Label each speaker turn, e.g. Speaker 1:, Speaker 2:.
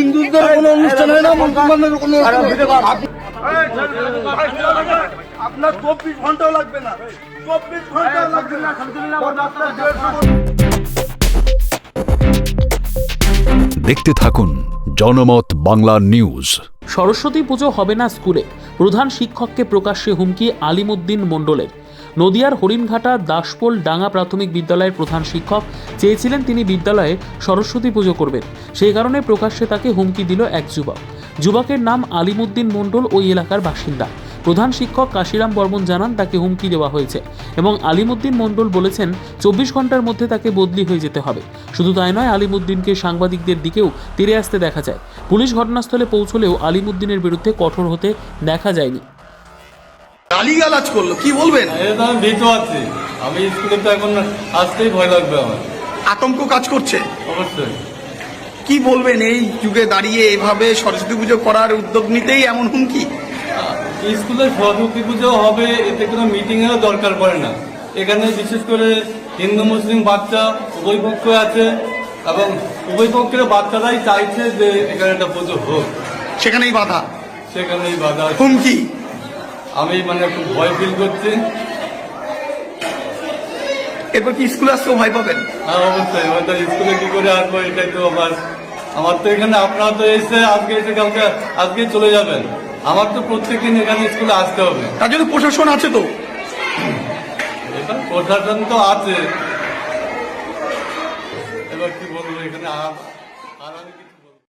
Speaker 1: হিন্দুদের কোনো অনুষ্ঠান হয় না, মুসলমানদের কোনো আপনার 24 ঘন্টাও লাগবে না, 24 ঘন্টাও লাগবে না।
Speaker 2: দেখতে থাকুন জনমত বাংলা নিউজ।
Speaker 3: সরস্বতী পুজো হবে না স্কুলে, প্রধান শিক্ষককে প্রকাশ্যে হুমকি আলিমুদ্দিন মণ্ডলের। নদিয়ার হরিণঘাটা দাসপোল ডাঙ্গা প্রাথমিক বিদ্যালয়ের প্রধান শিক্ষক চেয়েছিলেন তিনি বিদ্যালয়ে সরস্বতী পুজো করবেন, সেই কারণে প্রকাশ্যে তাকে হুমকি দিল এক যুবক। যুবকের নাম আলিমুদ্দিন মণ্ডল, ওই এলাকার বাসিন্দা। প্রধান শিক্ষক কাশিরাম বর্মন জানান তাকে হুমকি দেওয়া হয়েছে এবং আলিমুদ্দিন মণ্ডল বলেছেন 24 ঘন্টার মধ্যে তাকে বদলি হয়ে যেতে হবে। শুধু তাই নয়, আলিমুদ্দিনকে সাংবাদিকদের দিকেও তেড়ে আসতে দেখা যায়। পুলিশ ঘটনাস্থলে পৌঁছলেও আলিমুদ্দিনের বিরুদ্ধে কঠোর হতে দেখা যায়নি।
Speaker 1: গালিগালাজ করলো, কি বলবেন?
Speaker 4: আমি ভীত আছি, আমি স্কুলে তো এখন আসতেই ভয় লাগবে আমার।
Speaker 1: আতঙ্ক কাজ করছে
Speaker 4: অবশ্যই।
Speaker 1: কি বলবেন এই যুগে দাঁড়িয়ে এভাবে সরস্বতী পুজো করার উদ্যোগ নিতেই এমন হুমকি?
Speaker 4: স্কুলে সরস্বতী পুজো হবে, এতে কোনো মিটিং এরও দরকার পড়ে না। এখানে বিশেষ করে হিন্দু মুসলিম বাচ্চা উভয় পক্ষ আছে এবং উভয় পক্ষের বাচ্চারাই চাইছে যে এখানে একটা পুজো হোক,
Speaker 1: সেখানেই বাধা,
Speaker 4: সেখানেই বাধা
Speaker 1: হুমকি।
Speaker 4: আমি খুব ভয় ফিল করছি।
Speaker 1: এরপর কি স্কুলে আসতেও ভয় পাবেন?
Speaker 4: হ্যাঁ অবশ্যই, হয়তো স্কুলে কি করে আসবো, এটাই তো আমার তো এখানে আপনারা তো এসে আজকে এসে কালকে আজকে চলে যাবেন, আমার তো প্রত্যেকদিন এখানে স্কুলে আসতে হবে।
Speaker 1: তার জন্য প্রশাসন আছে তো?
Speaker 4: এটা প্রশাসন তো আছে, এবার কি বলবো এখানে